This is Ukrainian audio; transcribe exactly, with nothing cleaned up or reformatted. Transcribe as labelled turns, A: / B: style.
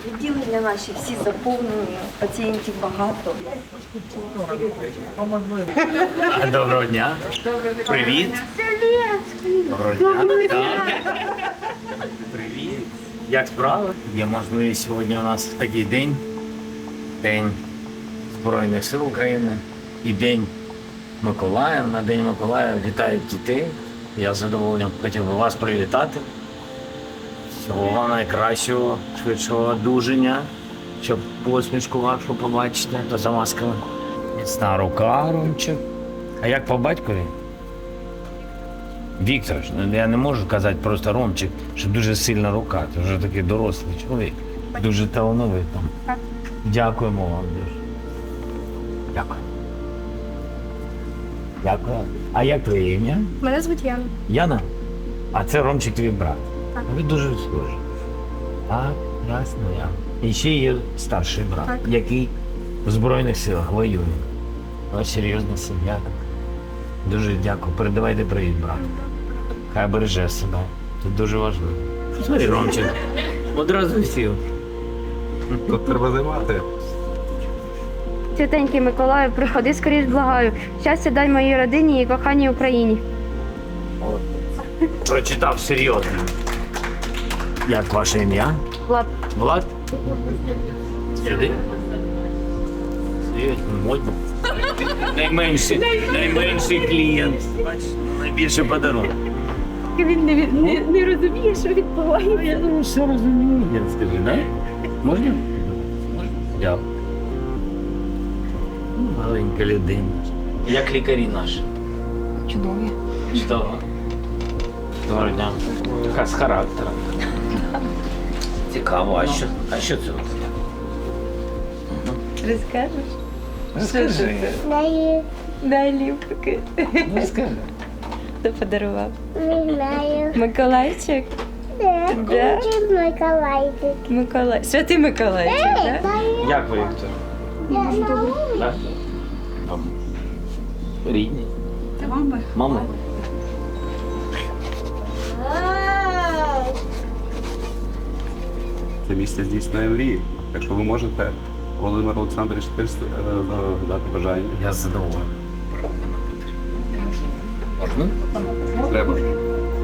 A: Відділення наші всі заповнені, пацієнтів багато.
B: Доброго дня. Привіт. Доброго дня. Так. Привіт. Як справи? Є можливість сьогодні у нас такий день. День Збройних сил України і День Миколая. На День Миколая вітають дітей. Я з задоволенням хотів би вас привітати. Всього вам найкращого, швидшого одужання, щоб посмішку вашу побачити та за масками. Міцна рука, Ромчик. А як по батькові? Віктор, я не можу казати просто Ромчик, що дуже сильна рука. Ти вже такий дорослий чоловік. Дуже талановитий. Дякуємо вам дуже. Дякую. Дякую. А як твоє ім'я?
C: Мене звуть Яна.
B: Яна? А це Ромчик твій брат.
C: Так.
B: Ви дуже схожі. Так, ясно, я. І ще є старший брат,
C: Так.
B: який в Збройних силах воює. Ось серйозна сім'я. Дуже дякую. Передавайте привіт, брат. Хай береже себе. Це дуже важливо. Смотри, Ромчик. Одразу сів.
D: Тут треба займати.
C: Святенький Миколаю, приходи скоріш, благаю. Щастя дай моїй родині і коханій Україні.
B: Прочитав серйозно. Як ваше ім'я?
C: Влад.
B: Влад? Сюди? Серйозно, модно. Найменший, найменший клієнт. Бачиш, найбільше подарунок.
C: Він не, не, не розуміє, що відбувається.
B: Я думаю, все розумію. Я скажу, да? Можна? Можна. Дякую. Маленька людина. Як лікарі наші?
A: Чудові.
B: Чудово. Доброго дня. Така з характером. Цікаво, а що, а що це?
A: Розкажеш?
B: Розкажи.
A: Дай, дай ліпки.
B: Розкажи.
A: Хто подарував?
E: Не знаю.
A: Миколайчик?
E: Да.
A: Да?
E: Очень Миколайчик.
A: Миколай. Святий Миколайчик, так? Да?
B: Як ви, Віктор? Так? Там. Рідні.
A: Це мама.
B: Мама.
D: Це місце здійснює мрії. Якщо ви можете, Володимир Олександрович, теж е, дати бажання.
B: Я задоволений. Можна?
D: Треба.